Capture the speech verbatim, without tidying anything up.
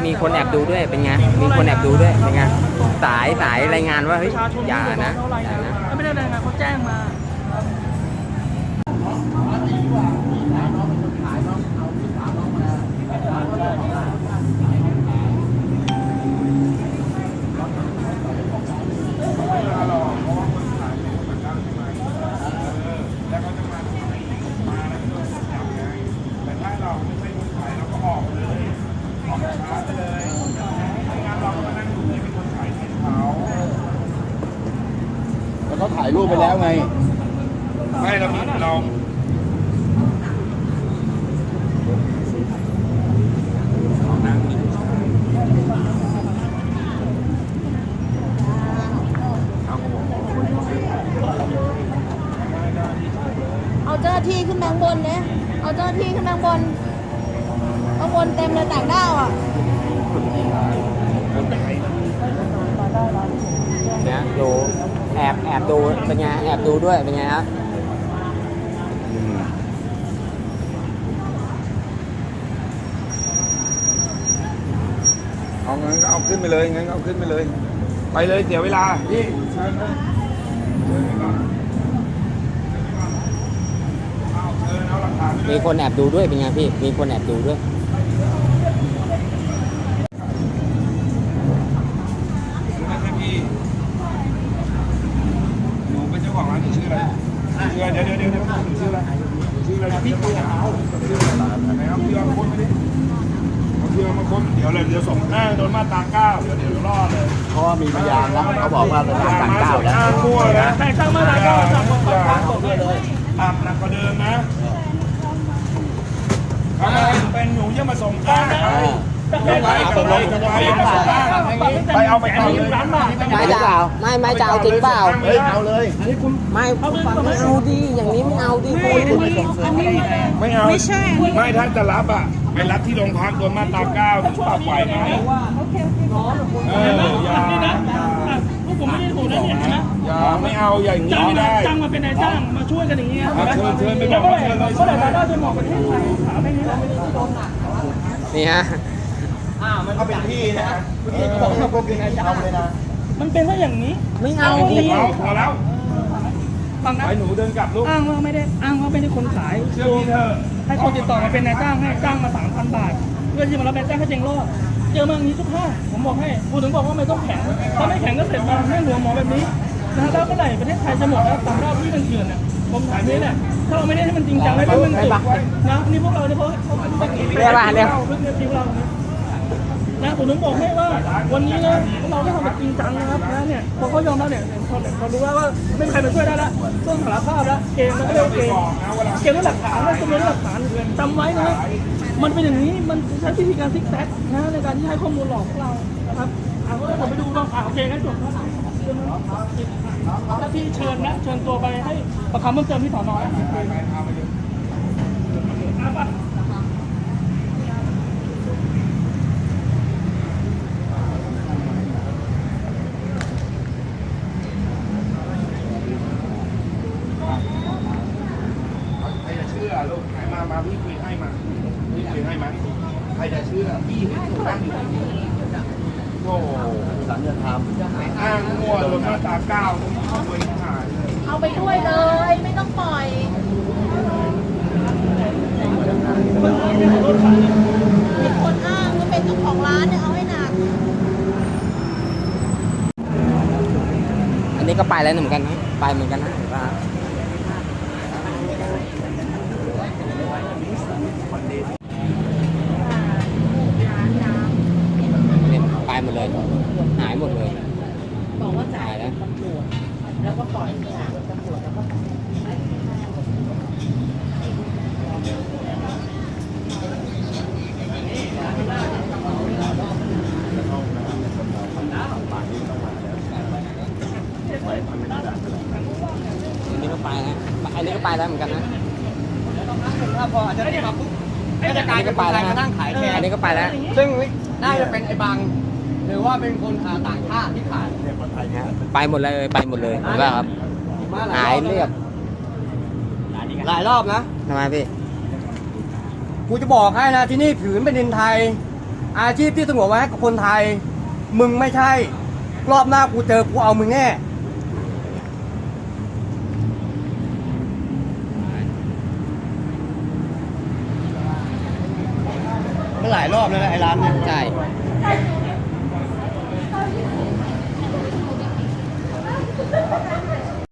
มีคนแอบดูด้วยเป็นไงมีคนแอบดูด้วยเป็นไงสายสายรายงานว่าเฮ้ยอย่านะอย่านะไม่ได้รายงานเขาแจ้งมาเขาถ่ายรูปไปแล้วไงไม่เรามีเราเอาเจ้าหน้าที่ขึ้นมาข้างบนเนี่ยเอาเจ้าหน้าที่ขึ้นมาข้างบนข้างบนเต็มเลยต่างด้าวอ่ะเนี่ยดูแอบแอบดูเป็นไงแอบดูด้วยเป็นไงครับเอางั้นก็เอาขึ้นไปเลยงั้นก็เอาขึ้นไปเลยไปเลยเสียเวลาพี่มีคนแอบดูด้วยเป็นไงพี่มีคนแอบดูด้วยเดี๋ยวเดี๋ยวเดี๋ยวเดี๋ยวชื่ออะไรชื่ออะไรพี่ตัวเขาชื่ออะไรไหนเอาเพื่อนคนไม่ได้เอาเพื่อนมาคนเดี๋ยวเลยเดี๋ยวส่งหน้าโดนมาตราเก้าเดี๋ยวเดี๋ยวรอดเลยเพราะว่ามีพยานแล้วเขาบอกว่าเป็นต่างเก้าแล้วมั่วนะแต่ช่างมาตราเก้าสั่งมาตราเก้าเลยอ่ะหนักกว่าเดิมนะทำไมเป็นหนูยังมาส่งก้าไม่ไหวกับไรกับไรมาส่งก้าไปเอาไปเอาเลยไม่จะเอาไม่ไม่จะเอาจริงเปล่าเฮ้ยเอาเลยไม่ไม่เอาดิอย่างนี้ไม่เอาดิคุณไม่เอาไม่ใช่ไม่ถ้าจะรับอ่ะไปรับที่โรงพักโดนมาตราเก้าปรับไหวไหมเอออย่าพวกผมไม่ได้ถูกนะเนี่ยนะอย่าไม่เอาอย่างนี้ไม่ได้จ้างมาเป็นนายจ้างมาช่วยกันอย่างเงี้ยเชิญเชิญไปบอกเชิญเลยเมื่อไหร่เราจะมองประเทศไทยถามไม่นี้เราไม่ได้โดนหนักนี่ฮะอ้าวมันก็เป็นที่นะที่เขาบอกว่าเป็นนายจ้างเลยนะมันเป็นว่าอย่างนี้ไม่เอาดิพอแล้วฟังนะไอ้หนูเดินกลับลูกอ้างว่าไม่ได้อ้างว่าไม่ได้คนขายเชื่อพี่เถอะให้คนติดต่อมาเป็นนายจ้างให้จ้างมาสามพันบาทเพื่อที่มารับนายจ้างให้เจงรอดเจอมาอย่างนี้ทุกท่าผมบอกให้พูดถึงบอกว่าไม่ต้องแข็งถ้าไม่แข็งก็เสร็จมาให้หัวหมอแบบนี้นะแล้วเมื่อไหร่ประเทศไทยจะหมดแล้วต่างด้าวที่มันเถื่อนเนี่ยผมถามนี้เนี่ยถ้าเราไม่ได้ให้มันจริงจังให้มันจุดนะนี่พวกเราเนี่ยเขาเขาเขาเรียกว่าเรียกเรื่องเรื่องเรานะผมถึงบอกให้ว่าวันนี้นะเราได้ทำแบบจริงจังนะครับนะเนี่ยพอเขายอมแล้วเนี่ยเขาเขารู้ว่าว่าไม่มีใครมาช่วยได้ละต้องสารภาพแล้วเกมมันก็เลยเกมเกมด้วยหลักฐานและจำนวนหลักฐานจำไว้นะมันเป็นอย่างนี้มันใช้วิธีการซิกแซกนะในการที่ให้ข้อมูลหลอกพวกเรานะครับอ่าก็ผมไปดูบ้างอ่าโอเคงั้นจบแล้วที่เชิญนะเชิญตัวไปให้ประคำเพิ่มเติมที่สอนอลูกไหนมามาพี่คุยให้มาพี่คุยให้มาใครจะเชื่อพี่เห็นถูกตั้งอยู่ที่นี่โอ้สัญญาธรรมอ้างมั่วโดนมาตราเก้าเอาไปหายเลยเอาไปด้วยเลยไม่ต้องปล่อยมีคนอ้างว่าเป็นเจ้าของร้านเนี่ยเอาให้หนักอันนี้ก็ไปแล้วเหมือนกันนะไปเหมือนกันนะเห็นป่ะไปหมดเลยหายหมดเลยบอกว่าจ่ายแล้วตำรวจแล้วก็ปล่อยตำรวจแล้วก็อันนี้ก็ไปแล้วอันนี้ก็ไปแล้วเหมือนกันนะถ้าพออาจจะได้มาปุ๊บก็จะกลายเป็นคนไทยมานั่งขายแทนอันนี้ก็ไปแล้วซึ่งน่าจะเป็นไอ้บางหรือว่าเป็นคนต่างชาติที่ขายไปหมดเลยไปหมดเลยเห็นป่ะครับหายเรียบหลายรอบนะทำไมพี่กูจะบอกให้นะที่นี่ผืนเป็นดินไทยอาชีพที่สงวนไว้ให้กับคนไทย มึงไม่ใช่ รอบหน้ากูเจอกูเอามึงแน่มันหลายรอบแล้วนะไอ้ร้านเนี่ยใช่